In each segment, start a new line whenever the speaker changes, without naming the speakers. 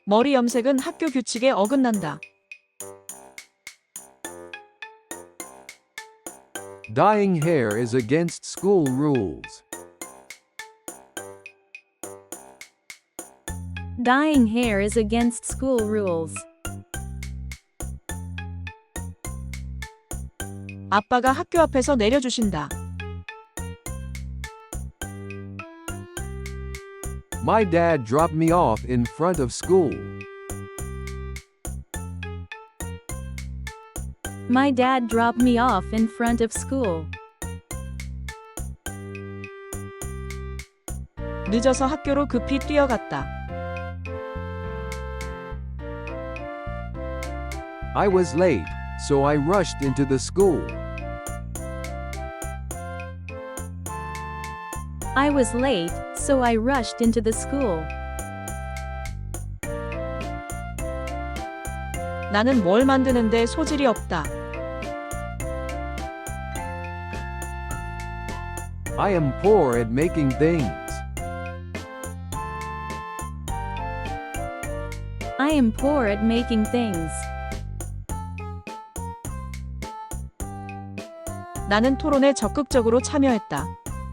머리 염색은 학교 규칙에 어긋난다.
Dyeing hair is against school rules.
Dyeing hair is against school rules.
아빠가 학교 앞에서 내려주신다.
My dad dropped me off in front of school.
My dad dropped me off in front of school.
늦어서 학교로 급히 뛰어갔다.
I was late, so I rushed into the school.
I was late, so I rushed into the school.
나는 뭘 만드는데 소질이 없다.
I am poor at making things.
I am poor at making things.
나는 토론에 적극적으로 참여했다.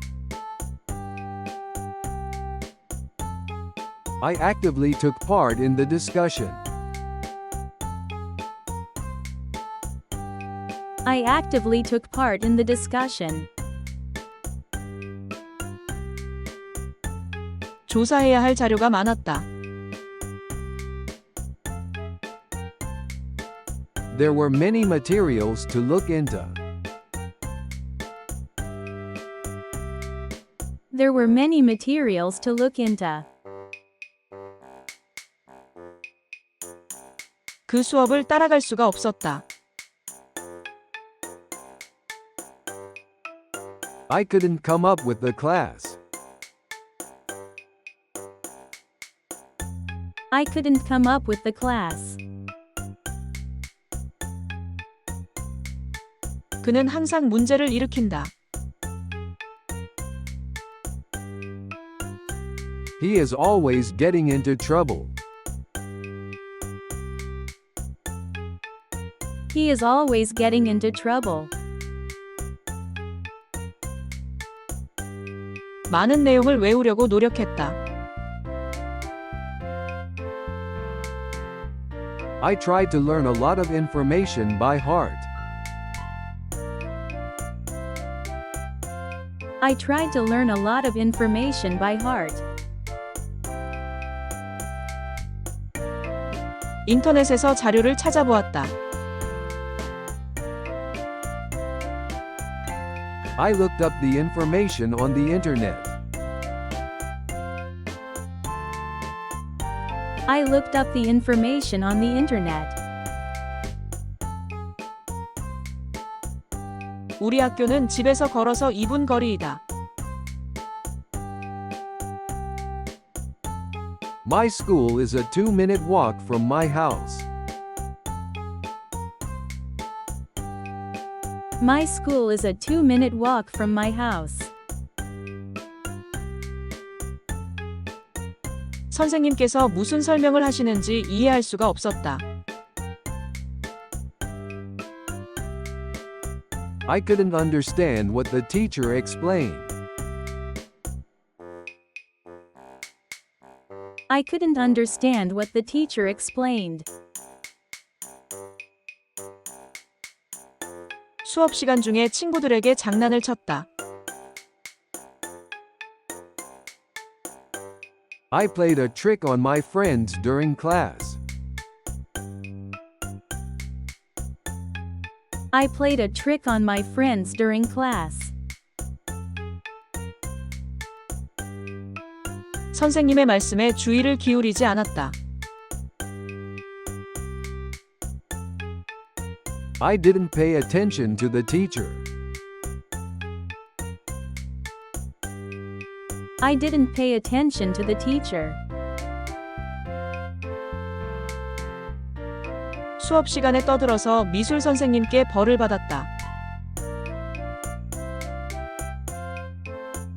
I actively took part in the discussion.
I actively took part in the discussion.
조사해야 할 자료가 많았다.
There were many materials to look into.
There were many materials to look into.
그 수업을 따라갈 수가 없었다.
I couldn't come up with the class.
I couldn't come up with the class.
그는 항상 문제를 일으킨다.
He is always getting into trouble.
He is always getting into trouble.
많은 내용을 외우려고 노력했다.
I tried to learn a lot of information by heart.
I tried to learn a lot of information by heart.
인터넷에서 자료를 찾아보았다.
I looked up the information on the internet.
I looked up the information on the internet.
우리 학교는 집에서 걸어서 2분 거리이다.
My school is a 2-minute walk from my house.
My school is a 2-minute walk from my house.
선생님께서 무슨 설명을 하시는지 이해할 수가 없었다.
I couldn't understand what the teacher explained.
I couldn't understand what the teacher explained.
수업 시간 중에 친구들에게 장난을 쳤다.
I played a trick on my friends during class.
I played a trick on my friends during class.
선생님의 말씀에 주의를 기울이지 않았다.
I didn't pay attention to the teacher.
I didn't pay attention to the teacher.
수업 시간에 떠들어서 미술 선생님께 벌을 받았다.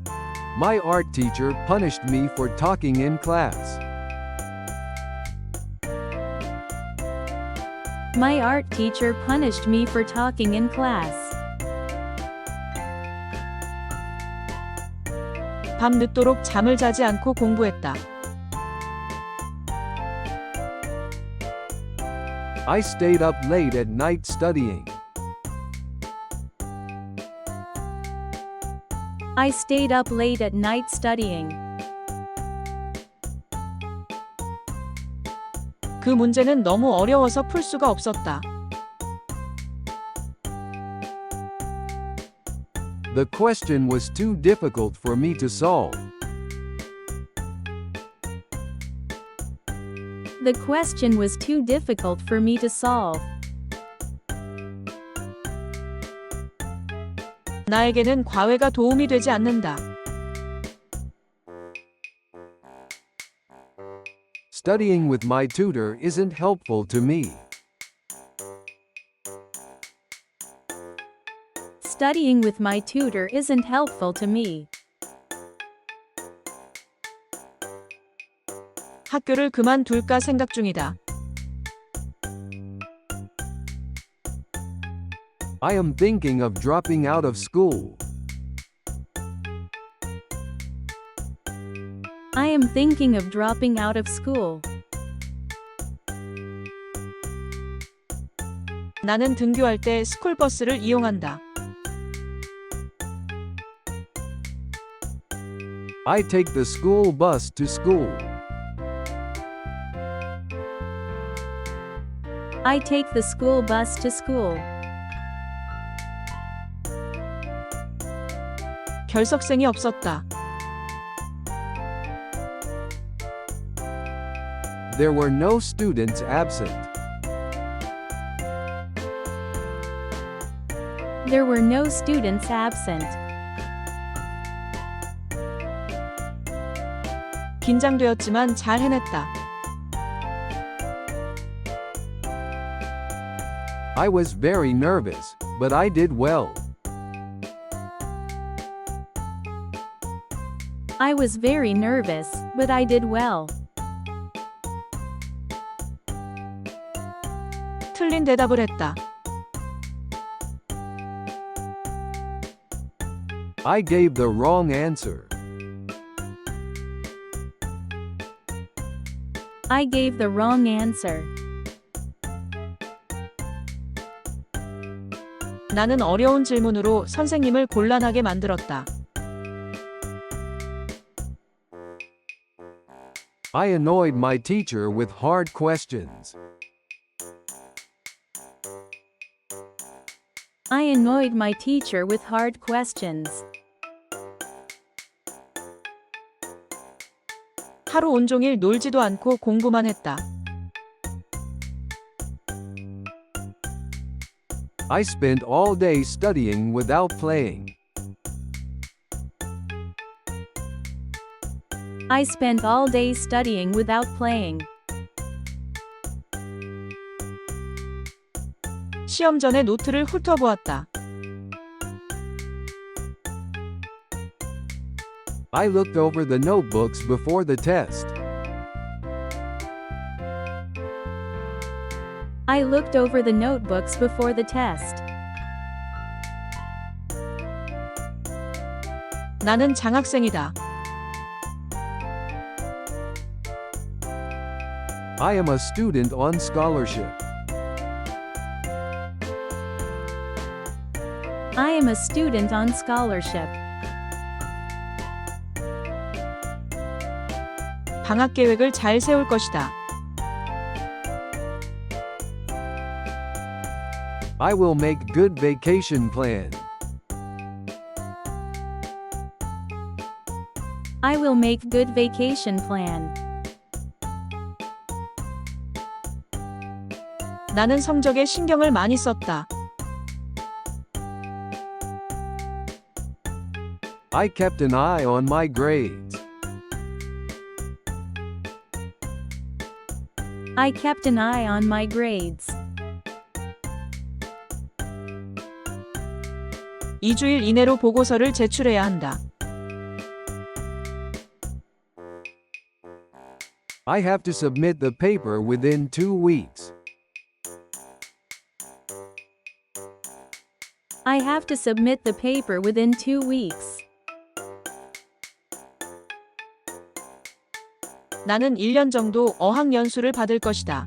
My art teacher punished me for talking in class.
My art teacher punished me for talking in class.
밤 늦도록 잠을 자지 않고 공부했다.
I stayed up late at night studying.
I stayed up late at night studying.
그 문제는 너무 어려워서 풀 수가 없었다.
The question was too difficult for me to solve.
The question was too difficult for me to solve.
나에게는 과외가 도움이 되지 않는다.
Studying with my tutor isn't helpful to me.
Studying with my tutor isn't helpful to me.
학교를 그만둘까 생각 중이다.
I am thinking of dropping out of school.
I am thinking of dropping out of school.
나는 등교할 때 스쿨버스를 이용한다.
I take the school bus to school.
I take the school bus to school.
결석생이 없었다.
There were no students absent.
There were no students absent.
긴장되었지만 잘 해냈다.
I was very nervous, but I did well.
I was very nervous, but I did well.
틀린 대답을 했다.
I gave the wrong answer.
I gave the wrong answer.
나는 어려운 질문으로 선생님을 곤란하게 만들었다.
I annoyed my teacher with hard questions.
I annoyed my teacher with hard questions.
하루 온종일 놀지도 않고 공부만 했다.
I spent all day studying without playing.
I spent all day studying without playing.
시험 전에 노트를 훑어보았다.
I looked over the notebooks before the test.
I looked over the notebooks before the test.
나는 장학생이다.
I am a student on scholarship.
I am a student on scholarship.
방학 계획을 잘 세울 것이다.
I will make good vacation plan.
I will make good vacation plan.
나는 성적에 신경을 많이 썼다.
I kept an eye on my grades.
I kept an eye on my grades.
2주일 이내로 보고서를 제출해야 한다.
I have to submit the paper within 2 weeks.
I have to submit the paper within 2 weeks.
나는 1년 정도 어학연수를 받을 것이다.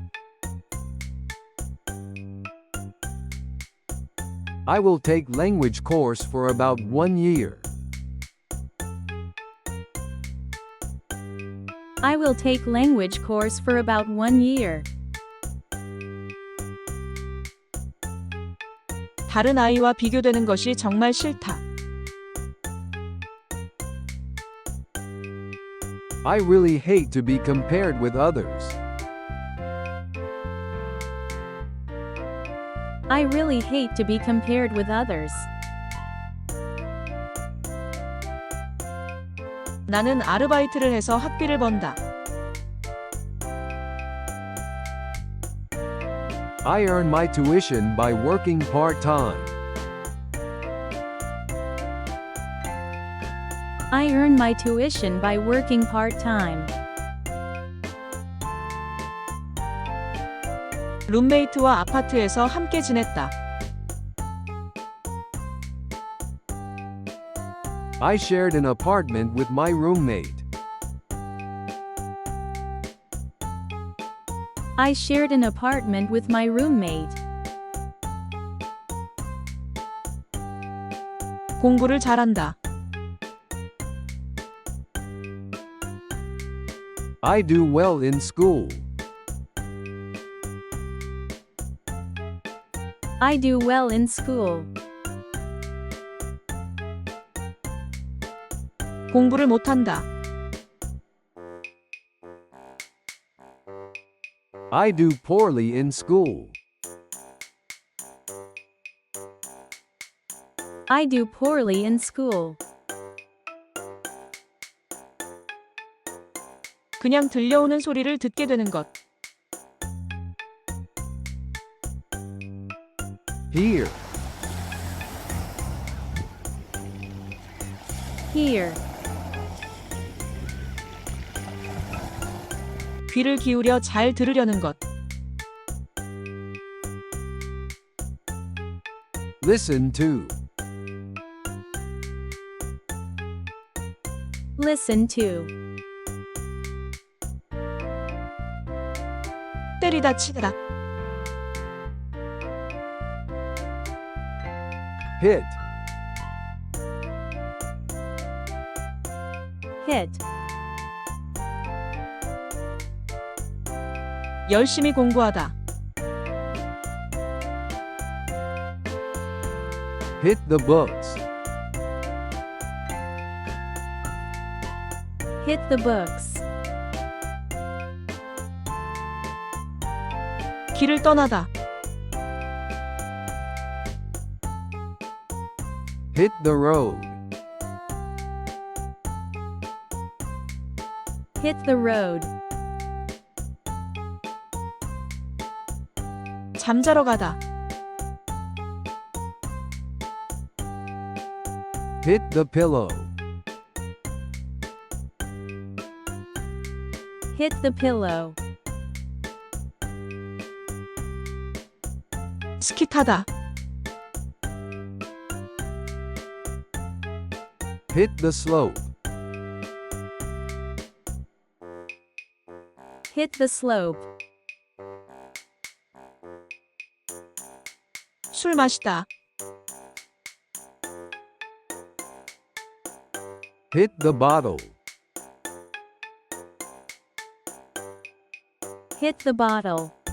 I will take language course for about 1 year.
I will take language course for about 1 year.
다른 아이와 비교되는 것이 정말 싫다.
I really hate to be compared with others.
I really hate to be compared with others.
나는 아르바이트를 해서 학비를 번다.
I earn my tuition by working part-time.
I earn my tuition by working part-time.
룸메이트와 아파트에서 함께 지냈다.
I shared an apartment with my roommate.
I shared an apartment with my roommate.
공부를 잘한다.
I do well in school.
I do well in school.
공부를 못한다.
I do poorly in school.
I do poorly in school.
그냥 들려오는 소리를 듣게 되는 것.
Here.
Here.
귀를 기울여 잘 들으려는 것.
Listen to.
Listen to.
때리다 치다.
Hit.
Hit.
열심히 공부하다.
Hit the books.
Hit the books.
길을 떠나다.
Hit the road.
Hit the road.
잠자러 가다.
Hit the pillow.
Hit the pillow.
스키 타다.
Hit the slope.
Hit the slope.
술 마시다.
Hit the bottle.
Hit the bottle.